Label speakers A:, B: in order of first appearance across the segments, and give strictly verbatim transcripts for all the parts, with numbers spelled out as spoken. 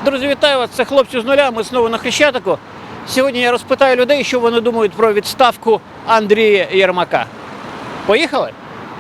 A: Друзі, вітаю вас! Це хлопці з нуля. Ми знову на Хрещатику. Сьогодні я розпитаю людей, що вони думають про відставку Андрія Єрмака. Поїхали?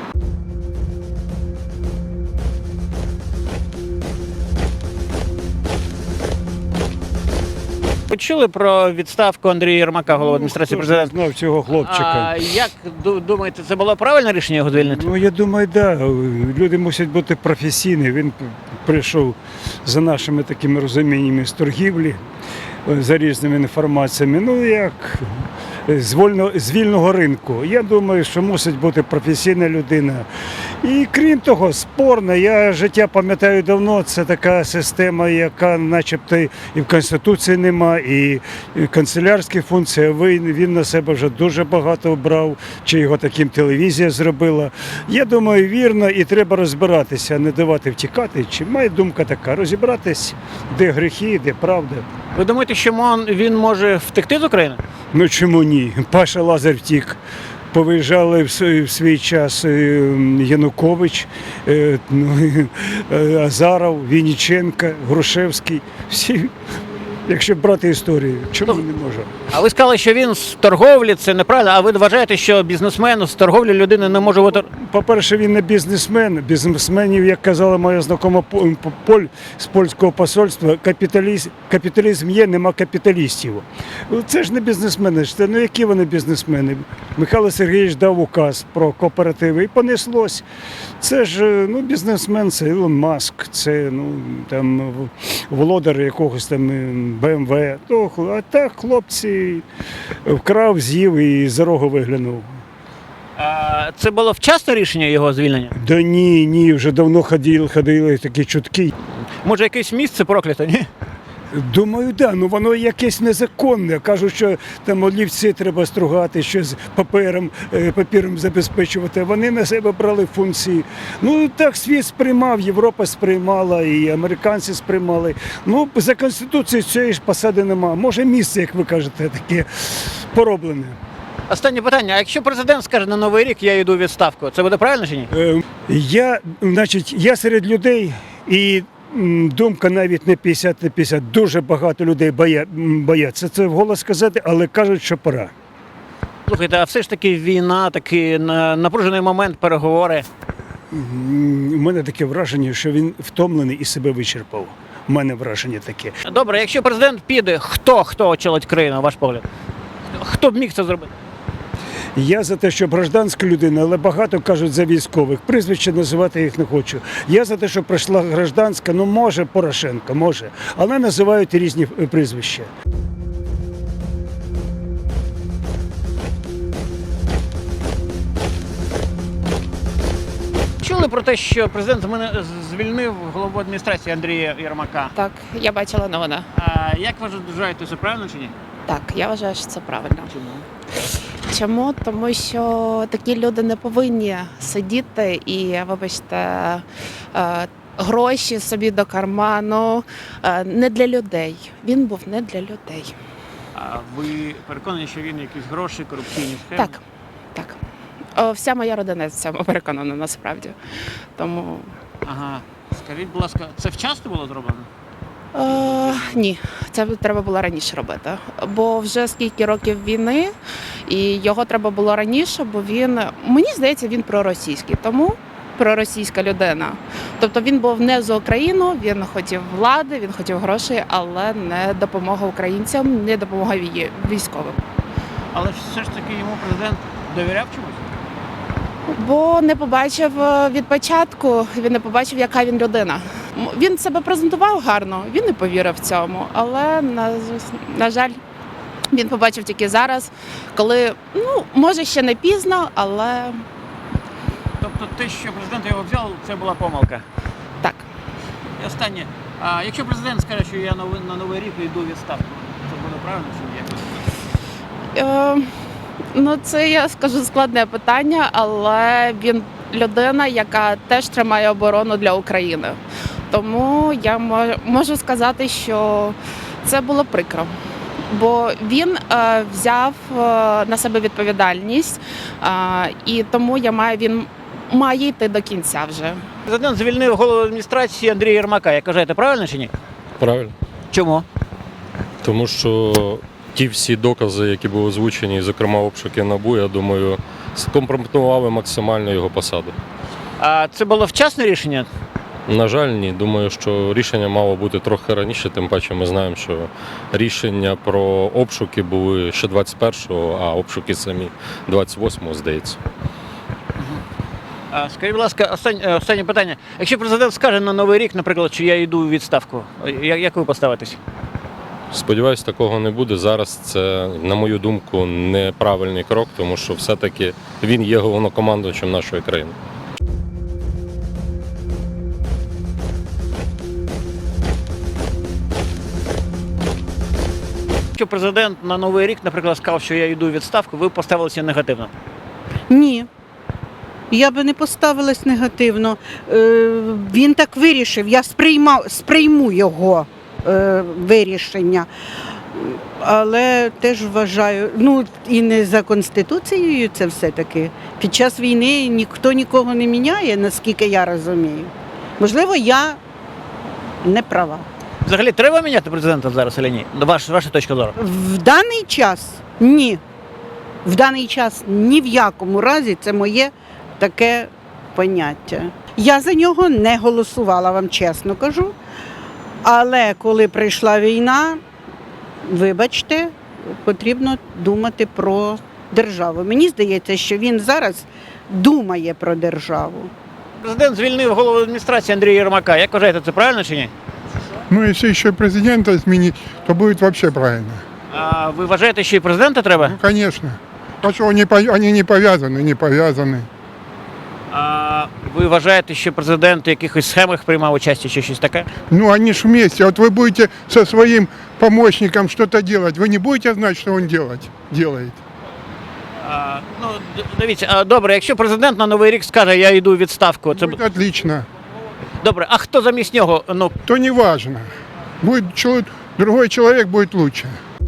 A: Ви чули про відставку Андрія Єрмака, голови адміністрації
B: Хто ж не
A: президента?
B: знав цього хлопчика.
A: А як ду- думаєте, це було правильне рішення його звільнити?
B: Ну, я думаю, так. Да. Люди мусять бути професійні. Він п- прийшов за нашими такими розуміннями з торгівлі, е, за різними інформаціями. Ну, як з, вольно, з вільного ринку. Я думаю, що мусить бути професійна людина. І крім того, спорно, я життя пам'ятаю давно, це така система, яка начебто і в Конституції нема, і канцелярські функції, він, він на себе вже дуже багато брав, чи його таким телевізія зробила. Я думаю, вірно, і треба розбиратися, а не давати втікати. Чи моя думка така, розібратись, де гріхи, де правда.
A: Ви думаєте, що мон- він може втекти з України?
B: Ну чому ні? Паша Лазар втік. Повиїжджали в свій, в свій час е, Янукович, е, ну, е, Азаров, Вінниченко, Грушевський. Всі, якщо брати історію, чому не може?
A: А ви сказали, що він з торговлі, це неправильно, а ви вважаєте, що бізнесмен з торговлі людини не може бути...
B: По-перше, він не бізнесмен. Бізнесменів, як казала моя знакома По- Поль з польського посольства, капіталізм, капіталізм є, нема капіталістів. Це ж не бізнесмени. Це, ну які вони бізнесмени? Михайло Сергійович дав указ про кооперативи і понеслось. Це ж ну, бізнесмен, це Ілон Маск, це ну, там, володар якогось там Б М В. То, а так хлопці вкрав, з'їв і за рогу виглянув.
A: А, це було вчасне рішення його звільнення?
B: Да ні, ні, вже давно ходили, ходили такі чутки.
A: Може, якесь місце прокляте, ні?
B: Думаю, да, ну воно якесь незаконне. Кажуть, що там олівці треба стругати, щось папером, е, папіром забезпечувати. Вони на себе брали функції. Ну так світ сприймав, Європа сприймала, і американці сприймали. Ну, за Конституцією цієї ж посади нема. Може місце, як ви кажете, таке пороблене.
A: Останнє питання. А якщо президент скаже на Новий рік, я йду у відставку, це буде правильно чи ні?
B: Е, Я, значить, я серед людей і м, думка навіть не п'ятдесят на п'ятдесят. Дуже багато людей боя, м, бояться це вголос сказати, але кажуть, що пора.
A: Слухайте, а все ж таки війна, такий на- напружений момент, переговори.
B: М, У мене таке враження, що він втомлений і себе вичерпав. У мене враження таке.
A: Добре, якщо президент піде, хто, хто очолить країну, на ваш погляд? Хто б міг це зробити?
B: Я за те, щоб гражданська людина, але багато кажуть за військових. Прізвище називати їх не хочу. Я за те, щоб прийшла гражданська, ну може Порошенко, може. Але називають різні е, прізвища.
A: Чули про те, що президент мене звільнив голову адміністрації Андрія Єрмака.
C: Так, я бачила новини.
A: А як ви вважаєте, це правильно чи ні?
C: Так, я вважаю, що це правильно.
A: Чому?
C: Чому? Тому що такі люди не повинні сидіти і, вибачте, е, гроші собі до карману. Е, Не для людей. Він був не для людей.
A: А ви переконані, що він якісь гроші, корупційні схеми?
C: Так, так. О, Вся моя родина в цьому переконана насправді. Тому
A: Ага. Скажіть, будь ласка, це вчасно було зроблено?
C: Е, ні, це треба було раніше робити. Бо вже скільки років війни, і його треба було раніше, бо він, мені здається, він проросійський, тому проросійська людина. Тобто він був не за Україну, він хотів влади, він хотів грошей, але не допомога українцям, не допомога вій- військовим.
A: Але ж все ж таки йому президент довіряв чомусь?
C: Бо не побачив е, від початку, він не побачив, яка він людина. М, Він себе презентував гарно, він не повірив в цьому, але на, на жаль, він побачив тільки зараз, коли, ну, може ще не пізно, але
A: Тобто те, що президент його взяв, це була помилка.
C: так.
A: І останнє. А якщо президент скаже, що я новий- на Новий рік йду у відставку, це буде правильно чи ні?
C: Е, ну, це, я скажу, складне питання, але він людина, яка теж тримає оборону для України. Тому я мо- можу сказати, що це було прикро. Бо він е, взяв е, на себе відповідальність, е, і тому я маю, він має йти до кінця вже.
A: Президент звільнив голову адміністрації Андрія Єрмака. Як вважаєте, правильно чи ні?
D: Правильно.
A: Чому?
D: Тому що ті всі докази, які були озвучені, зокрема обшуки НАБУ, я думаю, скомпрометували максимально його посаду.
A: А це було вчасне рішення?
D: На жаль, ні. Думаю, що рішення мало бути трохи раніше, тим паче ми знаємо, що рішення про обшуки були ще двадцять першого, а обшуки самі двадцять восьмого, здається.
A: А скажіть, будь ласка, останнє, останнє питання. Якщо президент скаже на Новий рік, наприклад, що я йду у відставку, як, як ви поставитесь?
D: Сподіваюсь, такого не буде. Зараз це, на мою думку, неправильний крок, тому що все-таки він є головнокомандувачем нашої країни.
A: Якщо президент на Новий рік, наприклад, сказав, що я йду у відставку, ви поставилися негативно.
E: Ні. Я би не поставилась негативно. Е, Він так вирішив, я сприймав, сприйму його е, вирішення. Але теж вважаю, ну і не за Конституцією це все-таки. Під час війни ніхто нікого не міняє, наскільки я розумію. Можливо, я не права.
A: Взагалі треба міняти президента зараз чи ні? Ваш, ваша точка зору.
E: В даний час ні. В даний час ні в якому разі це моє таке поняття. Я за нього не голосувала, вам чесно кажу. Але коли прийшла війна, вибачте, потрібно думати про державу. Мені здається, що він зараз думає про державу.
A: Президент звільнив голову адміністрації Андрія Єрмака. Як вважаєте, це правильно чи ні?
F: Ну, если еще президента изменить, то будет вообще правильно.
A: А ви вважаєте, що і президента треба?
F: Ну, конечно. А что, они, по- они не повязаны, не повязаны.
A: А ви вважаєте, що президент у якихось схемах приймав участь чи щось таке?
F: Ну, они ж вместе. Вот вы будете со своим помощником что-то делать, вы не будете знать, что он делать, делает.
A: А, ну, д- дивіться, а, добре, якщо президент на Новий рік скаже, я йду у відставку, це
F: Будет отлично.
A: добре. А хто замість нього? Ну,
F: То не важно. Будет чел- другой человек будет лучше.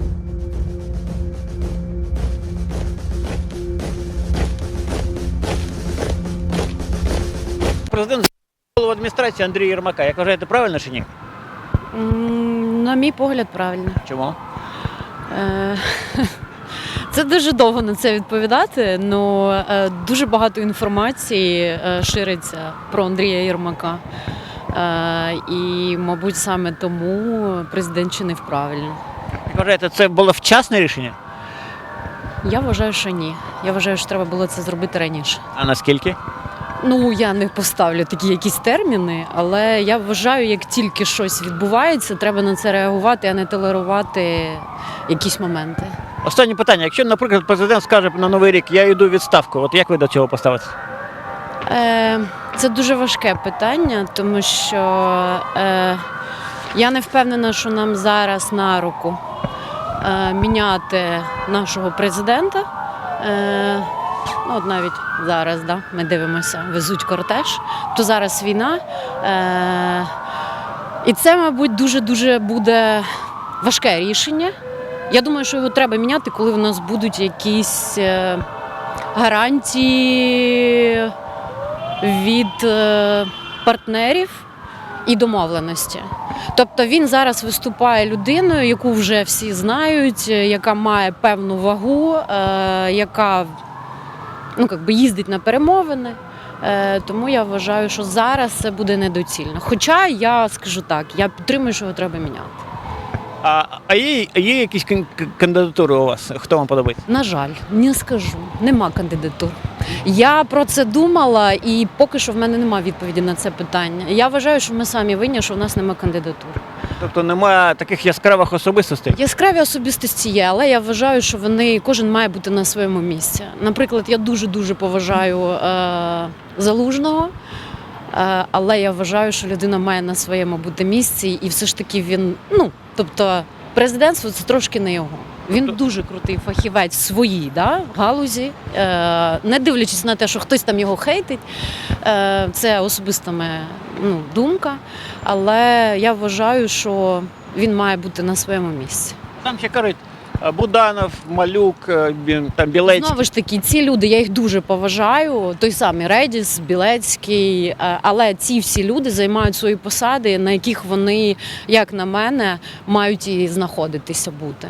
A: президент звільнив голову адміністрації Андрія Єрмака. Як вважаєте, правильно чи ні?
G: М, На мій погляд, правильно.
A: Чому?
G: Е, Це дуже довго на це відповідати, але дуже багато інформації е, шириться про Андрія Єрмака. Е, І, мабуть, саме тому президент чинив правильно.
A: Як вважаєте, це було вчасне рішення?
G: Я вважаю, що ні. Я вважаю, що треба було це зробити раніше.
A: А наскільки?
G: Ну, я не поставлю такі якісь терміни, але я вважаю, як тільки щось відбувається, треба на це реагувати, а не толерувати якісь моменти.
A: Останнє питання. Якщо, наприклад, президент скаже на Новий рік, я йду у відставку, от як ви до цього поставитесь?
G: Е, Це дуже важке питання, тому що е, я не впевнена, що нам зараз на руку е, міняти нашого президента. Е, ну, от навіть зараз, да, ми дивимося, везуть кортеж, то зараз війна. Е, і це, мабуть, дуже-дуже буде важке рішення. Я думаю, що його треба міняти, коли в нас будуть якісь е, гарантії від е, партнерів і домовленості. Тобто він зараз виступає людиною, яку вже всі знають, яка має певну вагу, е, яка ну, як би їздить на перемовини. Е, тому я вважаю, що зараз це буде недоцільно. Хоча я скажу так, я підтримую, що його треба міняти.
A: А, а є, є якісь кан- к- кандидатури у вас? Хто вам подобається?
G: На жаль, не скажу, нема кандидатур. Я про це думала, і поки що в мене немає відповіді на це питання. Я вважаю, що ми самі винні, що в нас немає кандидатур.
A: Тобто немає таких яскравих особистостей?
G: Яскраві особистості є, але я вважаю, що вони кожен має бути на своєму місці. Наприклад, я дуже дуже поважаю е, Залужного. Е, Але я вважаю, що людина має на своєму бути місці, і все ж таки він, ну, тобто, президентство це трошки не його. Він дуже крутий фахівець в своїй да, галузі, е, не дивлячись на те, що хтось там його хейтить, е, це особиста моя ну, думка, але я вважаю, що він має бути на своєму місці.
A: Там ще кажуть, А Буданов, Малюк, е, Бі- там Білецький.
G: Знову ж таки, ці люди, я їх дуже поважаю. Той самий Редіс, Білецький, е, але ці всі люди займають свої посади, на яких вони, як на мене, мають і знаходитися бути.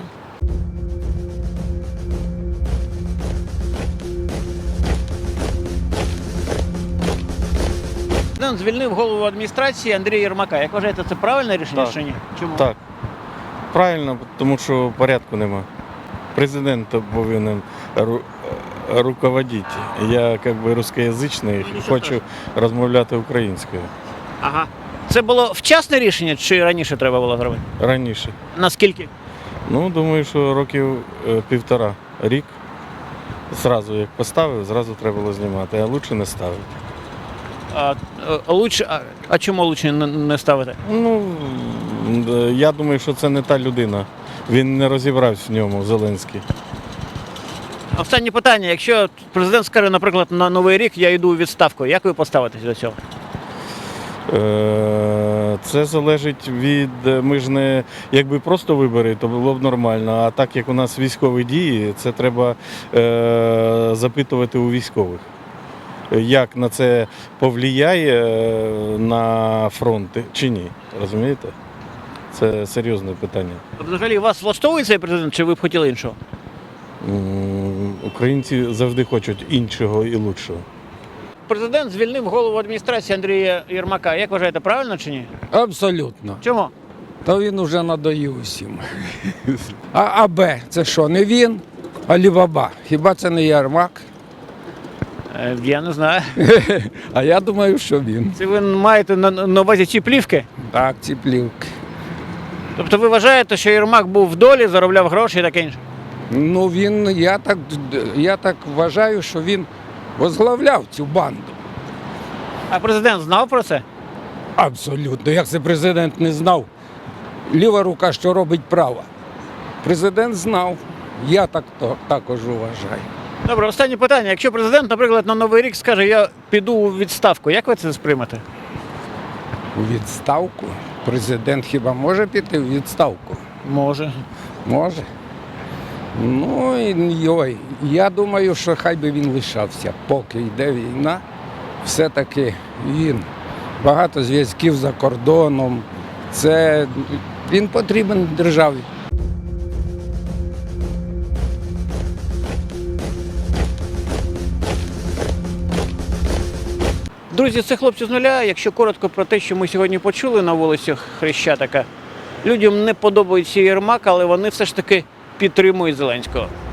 A: Президент звільнив голову адміністрації Андрія Єрмака. Як вважаєте, це правильне рішення
H: Так.
A: чи ні? Чому?
H: Так. Правильно, тому що порядку нема. Президент повинен ру- руководити. Я як би рускоязичний,
A: Ну, нічого
H: хочу
A: страшного.
H: розмовляти українською.
A: Ага. Це було вчасне рішення чи раніше треба було зробити?
H: Раніше.
A: Наскільки?
H: Ну, думаю, що років е, півтора, рік. Зразу як поставив, зразу треба було знімати, а лучше не ставити.
A: А, е, лучше, а, а чому лучше не, не ставити?
H: Ну, м, я думаю, що це не та людина. Він не розібрався в ньому, Зеленський.
A: Останнє питання. Якщо президент скаже, наприклад, на Новий рік я йду у відставку, як ви поставитесь до цього?
H: Е, Це залежить від, ми ж не, якби просто вибори, то було б нормально. А так як у нас військові дії, це треба е, запитувати у військових. Як на це повлияє е, на фронт чи ні. Розумієте? Це серйозне питання.
A: Взагалі вас влаштовує цей президент, чи ви б хотіли іншого?
H: М, Українці завжди хочуть іншого і лучшого.
A: Президент звільнив голову адміністрації Андрія Єрмака. Як вважаєте, правильно чи ні?
I: Абсолютно.
A: Чому?
I: Та він уже надоїв усім. А АБ це що, не він? Алібаба. Хіба це не Ярмак?
A: Е, Я не знаю.
I: А я думаю, що він.
A: Це ви маєте на, на увазі ці плівки?
I: Так, ці плівки.
A: Тобто ви вважаєте, що Єрмак був в долі, заробляв гроші і таке інше?
I: Ну він, я так, я так вважаю, що він возглавляв цю банду.
A: А президент знав про це?
I: Абсолютно. Як це президент не знав? Ліва рука, що робить права. Президент знав. Я так то, також вважаю.
A: Добре, останнє питання. Якщо президент, наприклад, на Новий рік скаже, я піду у відставку, як ви це сприймете?
I: У відставку. Президент хіба може піти в відставку?
A: Може.
I: Може. Ну, і йой, я думаю, що хай би він лишався, поки йде війна. Все-таки він багато зв'язків за кордоном. Це він потрібен державі.
A: Друзі, це хлопці з нуля. Якщо коротко про те, що ми сьогодні почули на вулицях Хрещатика, людям не подобається Єрмак, але вони все ж таки підтримують Зеленського.